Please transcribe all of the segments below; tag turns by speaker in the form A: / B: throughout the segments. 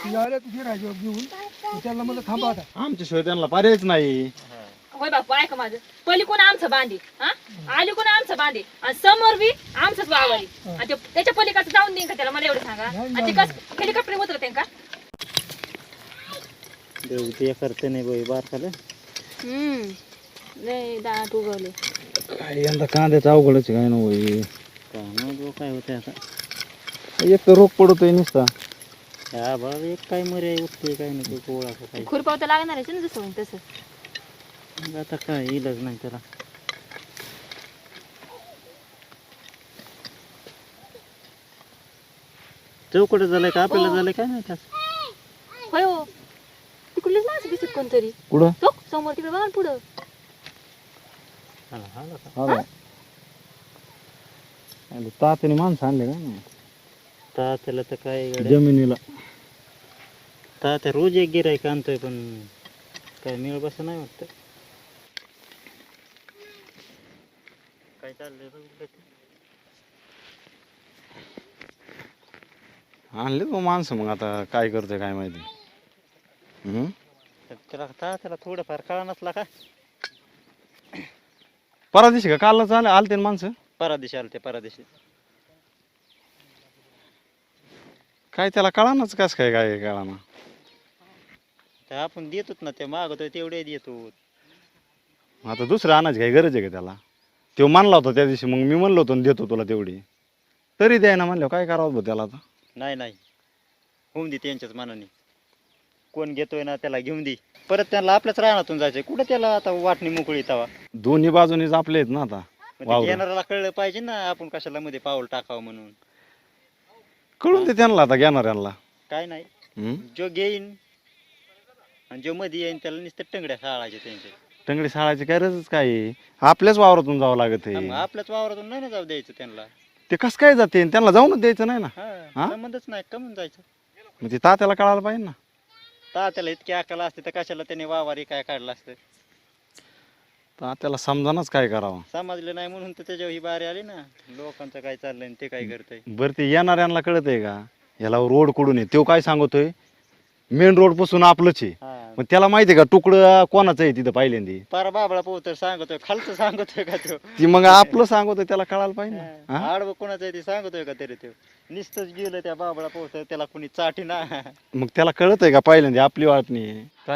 A: ती आल्या तुझी राजा घेऊन त्याला मला थांबा आता.
B: आमच्या शिवाय त्यांना पर्यायच नाही.
C: होय बापू ऐका माझं पहिली कोण आमचं बांधे हा आली कोण आमचं बांधे आणि समोर बी आमचंच वावरी आणि त्याच्या पलीकडचं जाऊन देईन का त्याला मला एवढं सांगा आणि ते कसं हेलिकॉप्टर उतरते का
D: ते करते नाही बाई बारकाले
C: लय दाट उगवले
B: काय यंदा कांद्याचं अवघडच काय ना होई.
D: काय होते आता
B: एक तर रोग पडतोय नुसता.
D: हा बघ एक काय मरे उठते काय नाही गोळा काय
C: खुरपाव तर लागणार आहे ना जसं होईल तसं
D: आता काय इलाज नाही त्याला. चौकट झालंय का आपल्याला झालंय काय नाही
C: होय हो तिकडलीच माणसं दिसत कोणतरी
B: कुठं
C: तो समोर तिकडे बघा ना पुढं
B: तात्याने माणसं आणले का
D: तात्याला तर काय
B: जमिनीला.
D: तात्या रोज एक गिरायक आणतोय पण काय मिळ बस नाही वाटत. काय चाललंय
B: आणले मग माणसं मग आता काय करतोय काय माहिती.
D: त्याला तात्याला थोडंफार कळा नसला का
B: परदिशी का कालच आलते ना माणसं.
D: परादिशी आलते परादिशी
B: काय त्याला कळानाच कस काय काय कळाना.
D: तर आपण देतोच ना ते मागतोय तेवढे देतो.
B: आता दुसरं आणायची काही गरज आहे का त्याला. तो मानला होता त्या दिवशी मग मी म्हणलो होतो देतो तुला तेवढी तरी द्याय ना म्हणलं काय करावं भाऊ त्याला आता.
D: नाही नाही होऊन दे त्यांच्याच मनाने कोण घेतोय ना त्याला घेऊन दे परत त्याला आपल्याच रानातून जायचंय कुठे त्याला आता वाटणी मोकळी तवा.
B: दोन्ही बाजूनीच आपले आहेत ना आता.
D: घेणाऱ्याला कळलं पाहिजे ना आपण कशाला मध्ये पाऊल टाकावं म्हणून.
B: कळून दे त्यांना आता घेणाऱ्यांना.
D: काय नाही जो घेईन आणि जो मध्ये येईन त्याला नुसतं टंगड्या साळायचे त्यांचे.
B: टंगडी साळायची काय गरजच काय आहे? आपल्याच वावरातून जावं लागत आहे.
D: आपल्याच वावरातून नाही ना जाऊ द्यायचं त्यांना.
B: ते कसं काय जाते त्यांना जाऊनच द्यायचं नाही ना.
D: हा संबंधच नाही कमून जायचं.
B: मग ते तात्याला कळायला पाहिजे ना.
D: तात्याला इतकी अकल असते तर कशाला त्याने वावारी काय काढलं असतं.
B: तात्याला समजानच काय करावं.
D: समजलं नाही म्हणून तर त्याच्यावर ही बारी आली ना लोकांचं काय चाललंय आणि ते काय करतंय.
B: बरं ते येणाऱ्यांना कळत आहे का याला रोड कुठून आहे तो काय सांगतोय मेन रोड पासून आपलंच आहे. मग त्याला माहिती आहे का तुकडं कोणाचं आहे तिथं पहिल्यांदी.
D: पारा बाबळा पोहतर सांगतोय खालचं सांगतोय का तो.
B: ती मग आपलं सांगतोय त्याला कळायला पाहिजे ना.
D: आडवं कोणाचं आहे ते सांगतोय का तरी तो नुसतंच गेलं त्या बाबळा पोहतर त्याला कुणी चाटी ना.
B: मग त्याला कळत आहे का पहिल्यांदी आपली वाटणी आहे. काय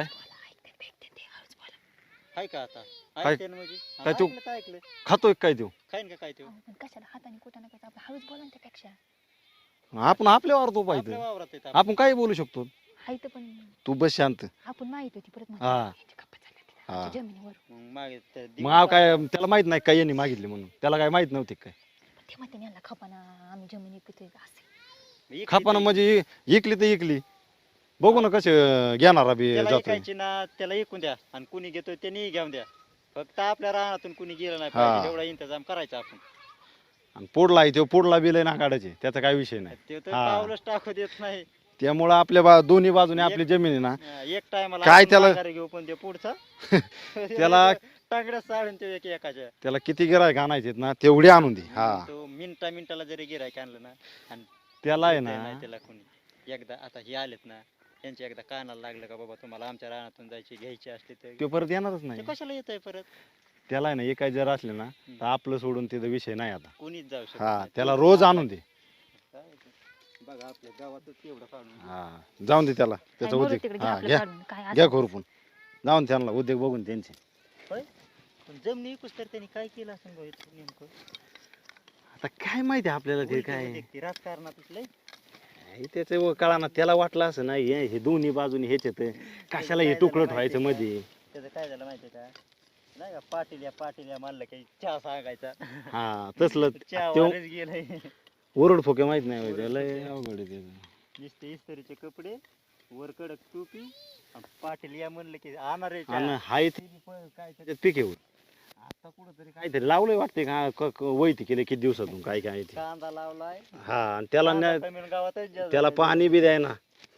D: हाय का आता
B: काय?
D: ऐकते ना म्हणजे
B: काय तू?
D: ऐकलं तर ऐकलं
B: खातोय काय तो.
D: खाईन का काय तो
C: कशाला हाताने कुठं ना आपण हळूच बोला ना त्यापेक्षा
B: आपण आपल्यावर तो
D: आपल्या
B: पाहिजे.
D: वावरात येत
B: आपण काही बोलू शकतो.
C: हाय तर पण
B: तू बस शांत.
C: आपण माहित होती परत
B: हा
D: मग मागे ते
B: मग काय त्याला माहित नाही काय यांनी मागितले म्हणून त्याला काय माहित नव्हते काय.
C: ते म्हणते यांना खपाना आम्ही जमीन विकतोय असे
D: इकली
B: खापाना
D: तर-
B: म्हणजे इकली तर इकली बघू ना कसे घेणारा बी
D: त्याला
B: जातोय.
D: ऐकायची ना त्याला ऐकून द्या आणि कुणी घेतोय त्यांनी घेऊन द्या फक्त आपल्या रानातून कुणी गेलं नाही
B: हा.
D: पाहिजे तेवढा इंतजाम करायचा आपण.
B: आणि पुढला आहे तो पुढला बिल ना काढायचे त्याचा काही विषय नाही.
D: ते तर
B: हा.
D: पावलंच टाकू देत नाही.
B: त्यामुळं आपल्या दोन्ही बाजूने आपली जमीन आहे ना
D: एक टायमाला
B: काय त्याला-
D: घेऊ पण ते पुढचा
B: त्याला
D: टांगड्या साडून ते एकाच्या
B: त्याला किती गिरायक आणायचे ना तेवढे आणून दे. हा
D: तो मिनिटाला जरी गिरायक आणलं ना आणि
B: त्याला आहे
D: देतही
B: ना
D: नाही त्याला कोणी एकदा आता हे आलेत ना त्यांच्या एकदा कानाला लागलं का बाबा तुम्हाला आमच्या रानातून जायची घ्यायची असली तर
B: तो परत येणारच
D: ते
B: नाही.
D: कशाला येत आहे परत
B: त्याला आहे ना एकाच जर असले ना तर आपलं सोडून तिथं विषय नाही आता.
D: कोणीच जाऊ शकत
B: हा
D: नाही.
B: त्याला रोज आणून दे.
D: काय ते? बघा आपल्या गावातच तेवढं काढून
B: हा जाऊन दे त्याला त्याचा
C: काय
B: उद्योग
C: तिकडे
B: हा
C: आपलं
B: घ्या
C: काढून काय
B: घ्या खुरपून जाऊन त्यांना उद्योग बघून त्यांचे.
D: होय पण जमिनी विकूस तर त्यांनी काय केलं असं बघितलं नेमकं
B: आता काय माहिती आपल्याला ते काय
D: उलटी ते राजकारणातच लय
B: त्याचं कळाना त्याला वाटलं असं नाही हे दोन्ही बाजूनी हेच येत कशाला हे तुकडं ठेवायचं मध्ये.
D: त्याचं काय झालं माहितीये का नाही का पाटील या मानलं की चहा सांगायचा
B: हा तसलं
D: चहा
B: त्यो
D: वारच गेलंय
B: ओरड फोके माहित नाही होय त्याला अवघड आहे त्याचं.
D: नुसते इस्त्रीचे कपडे वर कडक टोपी आणि पाटील या म्हणलं की आणणार आहे
B: आणि
D: चहा.
B: हाय ते काय त्याच्यात पीक येऊ आता कुठंतरी काहीतरी लावलंय वाटते का वैती केले किती दिवसातून काय काय ते.
D: कांदा लावलाय
B: हा आणि त्याला
D: कांदा कमी गावातच जास्त
B: त्याला
D: आहे.
B: पाणी बी द्याय ना.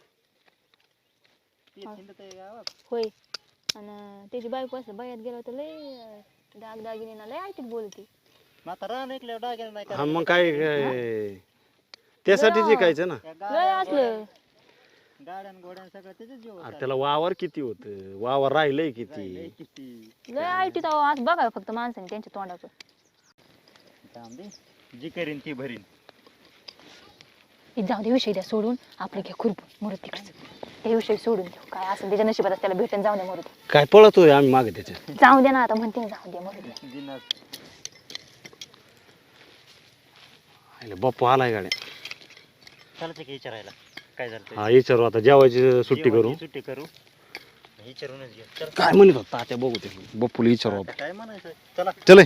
D: ते थिंडत आहे गावात
C: होय आणि त्याची बायको असं बायात गेला तर लय दागदागिने ना लय ऐकत बोलते.
D: मग आता रान ऐकल्यावर डाग्याला नाही
B: हा मग काय त्यासाठी जिकायचं ना.
D: त्या
C: लय
D: गावात
C: असलं
D: गाड्यान गोड्यान सगळं त्याच्याच जीव
B: अरे त्याला वावर किती होत, वावर राहिलंय किती.
D: किती
C: लय आयटीत आज बघा फक्त माणसाने त्यांच्या तोंडाचं.
D: थांब दे, जी करीन ती भरीन.
C: हे जाऊ दे, विषय द्या सोडून, आपलं घ्या खुरपून मरत तिकडचं. ते विषय सोडून देऊ, काय असं त्याच्या नशिबात त्याला भेटून जाऊ द्या मरू दे.
B: काय पळतोय आम्ही मागे त्याच्या.
C: जाऊ दे ना आता, म्हणते ना जाऊ दे मरू दे.
D: जिन्नस.
B: बाप्पू आलाय गाड्या.
D: चालतं की विचारायला काय झालं ते?
B: हा विचारू आता, जेवायची सुट्टी करू.
D: जेवायची सुट्टी करू, विचारूनच घे. चल.
B: काय म्हणत होता तात्या, बघू ते बाप्पूला विचारू.
D: आता काय म्हणायचं, चला.
B: चले.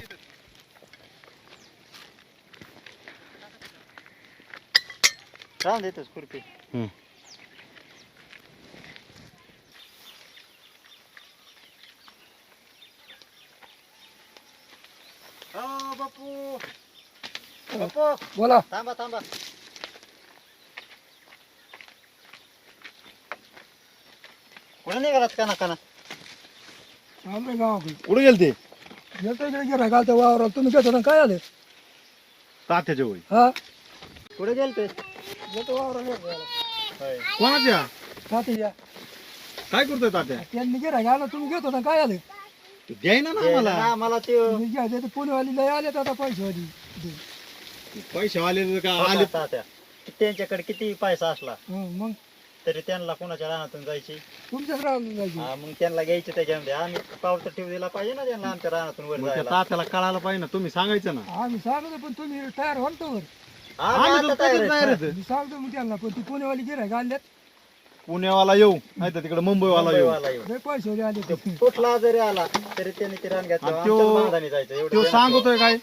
D: राहून देतोस खुरपी. हो बापू, बापू
A: बोला.
D: थांबा थांबा. कुठे निघालात काना काना?
A: आलोय गावाकडे.
B: कुठे गेलते?
A: येतो इकडे गिरा घालता वावरात. तुम्ही घेतो ना, काय आले?
B: तात्याच्या वय.
A: हा,
D: कुठे गेलते?
A: येतो वावरात.
D: होय.
B: कोणाच्या?
A: तात्या
B: काय करतोय तात्या?
A: त्यांनी गिरा घाला, तुम्ही घेतो ना, काय आले?
B: द्याय ना
D: ते
B: आम्हाला.
D: ना, मला ते
A: तुम्ही घ्यायचे तर पुणेवाली लय आले आता पैसेवाली.
B: पैसे आले का आले?
D: तात्या त्यांच्याकडे किती पैसा असला
A: मग
D: तरी त्यांना कोणाच्या रानातून जायची.
A: तुमच्याच राहून जायची.
D: हा, मग त्यांना घ्यायचे त्याच्यामध्ये. आम्ही पावतर ठेव दिला पाहिजे ना त्यांना आमच्या रानातून वर
B: मग त्या
D: जायला.
B: तात्याला कळायला पाहिजे ना, तुम्ही सांगायचं ना.
A: आम्ही सांगतो पण तुम्ही तयार व्हाल तर.
D: आम्ही
B: आम्ही
D: आता
B: तर
D: तयार
B: कधीच
D: आहे.
B: नाही रे.
A: मी सांगतो मग त्यांना, पण ती पुणेवाली गिरा घालल्यात
B: पुण्यावाला येऊ नाही तर तिकडे मुंबईवाला येऊ.
D: मुंबईवाला येऊ.
A: लय पैसेवाली आले ते.
D: कुठला जरी आला तरी त्यांनी ते रान घातलं.
B: आणि त्यो-
D: आमच्याच बांधाने जायचं एवढं
B: तो
D: त्यांना
B: सांगतोय काय,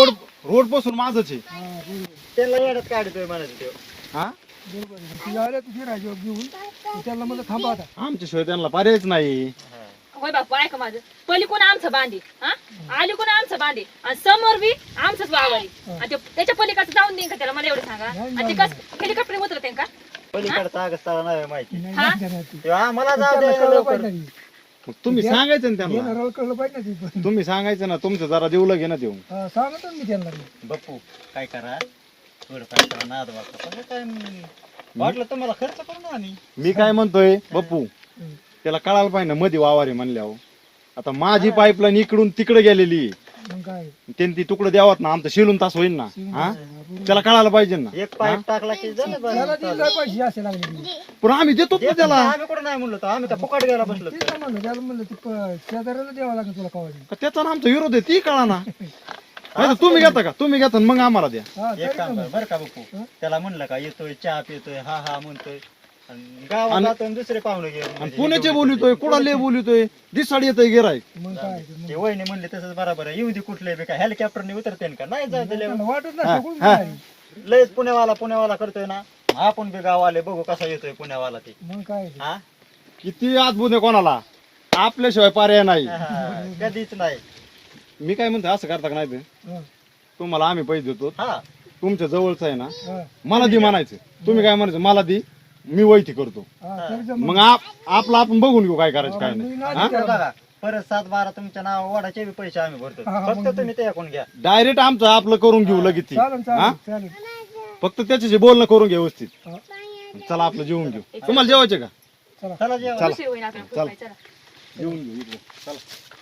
B: रोड पासून माझच आहे.
A: हा, बरोबर.
D: त्यांना येड्यात काढतोय म्हणायचं त्यो.
B: हा,
A: बरोबर आहे. ती आल्या तुझी राजा घेऊन, तर त्यांना मला थांबा आता.
B: आमच्याशिवाय त्यांना पर्यायच नाही.
D: हा.
C: होय बापू, ऐका माझं. पहिली कोण आमचं बांधे, हा आली कोण आमचं बांधे, आणि समोर बी आमचंच वावरी, आणि त्याच्या पलीकडचं जाऊन देईन का त्याला, मला एवढं सांगा. आणि ते कसं हेलिकॉप्टर उतरते का?
D: पलीकडचा आगस्ताला नाही माहिती.
A: नाही,
C: हा?
A: नाही, नाही.
D: त्यो आम्हाला जाऊ
A: त्याला
D: द्या
A: कळलं
D: लवकर.
A: पाहिजे ना.
B: मग तुम्ही सांगायचं ना त्यांना.
A: घेणाऱ्याला कळलं पाहिजे ना ती पण.
B: तुम्ही सांगायचं ना, तुमचं जरा देऊलं घे ना देऊ.
A: हा, सांगतो ना मी त्यांना.
D: बप्पू काय करा, थोडं काय करा, नाद वाटतं पण काय वाटलं तुम्हाला खर्च करू ना आम्ही.
B: मी काय म्हणतोय बप्पू, त्याला कळायला पाहिजे ना मध्ये वावर आहे म्हणल्यावर. आता माझी पाईपलाईन इकडून तिकडे गेलेली आहे.
A: मग काय
B: त्यांनी ती तुकडं द्यावात ना, आमचं शिलून तास होईल ना. हा, त्याला कळायला पाहिजे ना.
D: एक पाईप टाकला की झालं बरं.
A: त्याला ती लय पैसे असे लागले ती.
B: पण आम्ही देतो ना
D: देत
B: त्याला.
D: नाही, आम्ही कुठं नाही म्हणलो होतो. आम्ही तर फुकट घ्यायला बसलो.
A: तेच ना म्हणलं, त्याला म्हणलं ती शेजाऱ्याला द्यावं लागेल तुला कवाडी.
B: का त्याचा ना आमचा विरोध आहे ती कळा ना. नाही तर तुम्ही घेता का, तुम्ही घेता मग आम्हाला द्या.
A: हा,
D: एक
A: तरी
D: काम
A: ना
D: कर बरं का बप्पू, त्याला म्हणलं का येतोय चहा पितोय, हा हा म्हणतोय, आणि गावात जातो आणि दुसरे पाहुणे घेऊन
B: आणि पुण्याचे बोलितोय, कुडाले बोलितोय, दिसाड येतोय गिराय.
A: मग काय ते. मग
D: ते वहिनी म्हणले तसंच बरोबर आहे. येऊ दे कुठले बी काय हेलिकॉप्टरने उतरते का नाही जाऊ दिले.
A: त्यांना वाटत ना सगळं
B: हा.
A: काय.
D: लयच पुण्यावाला करतोय ना. आपण बी गाव आले बघू कसा येतोय पुण्यावाला ते.
A: मग काय ते.
D: हा
B: किती अद्भुत आहे कोणाला, आपल्याशिवाय पर्याय नाही.
D: हा, कधीच नाही.
B: मी काय म्हणतो, असं करता का नाही ते?
A: हा,
B: तुम्हाला आम्ही पैसे देतो,
D: हा
B: तुमच्या जवळचं आहे ना,
A: हा,
B: मला दी म्हणायचं. तुम्ही काय म्हणायचं, मला दी, मी वैती करतो.
A: हा, तरी जमलं.
B: मग आपलं आपण बघून घेऊ काय करायचं काय नाही.
A: मी नाही
B: हा?
A: देणार.
D: बघा परत 7-12 तुमच्या नाव वाढायचे बी पैसे आम्ही भरतो.
A: हा,
D: फक्त
A: मग
D: तुम्ही ते ऐकून घ्या.
B: डायरेक्ट आमचं आपलं करून घेऊ लगेच ती.
A: चालेल
B: हा?
A: चालेल चालेल.
B: फक्त त्याच्याशी बोलणं करून घ्या व्यवस्थित.
A: हा,
B: चला आपलं जेवून घेऊ. तुम्हाला जेवायचे का?
D: चला जेवा.
C: उशीर होईल आपल्याला,
B: चला.
C: चला.
B: जेवून घेऊ इकडे. चला.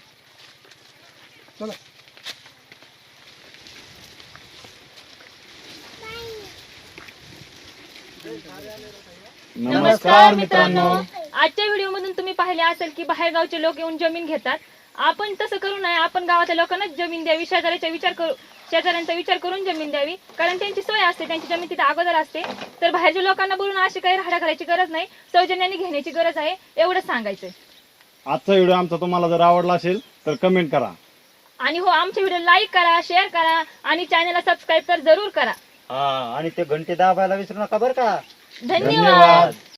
A: चला.
B: नमस्कार मित्रांनो.
C: आजच्या व्हिडिओ मधून तुम्ही पाहिले असेल की बाहेरगावचे लोक येऊन जमीन घेतात. आपण तसं करू नये. आपण गावातल्या लोकांना जमीन द्यावी, शेजाऱ्यांचा विचार करून जमीन द्यावी, कारण त्यांची सोय असते, त्यांची जमीन तिथे अगोदर असते. तर बाहेरच्या लोकांना बोलून अशी काही राहडा करायची गरज नाही, सौजन्याने घेण्याची गरज आहे, एवढंच सांगायचंय.
B: आजचा व्हिडिओ आमचा तुम्हाला जर आवडला असेल तर कमेंट करा.
C: आणि हो, आमचे व्हिडिओ लाईक करा, शेअर करा आणि चॅनलला सबस्क्राईब तर जरूर करा.
D: हा आणि ते घंटे दाबायला विसरू नका बरं का.
C: धन्यवाद.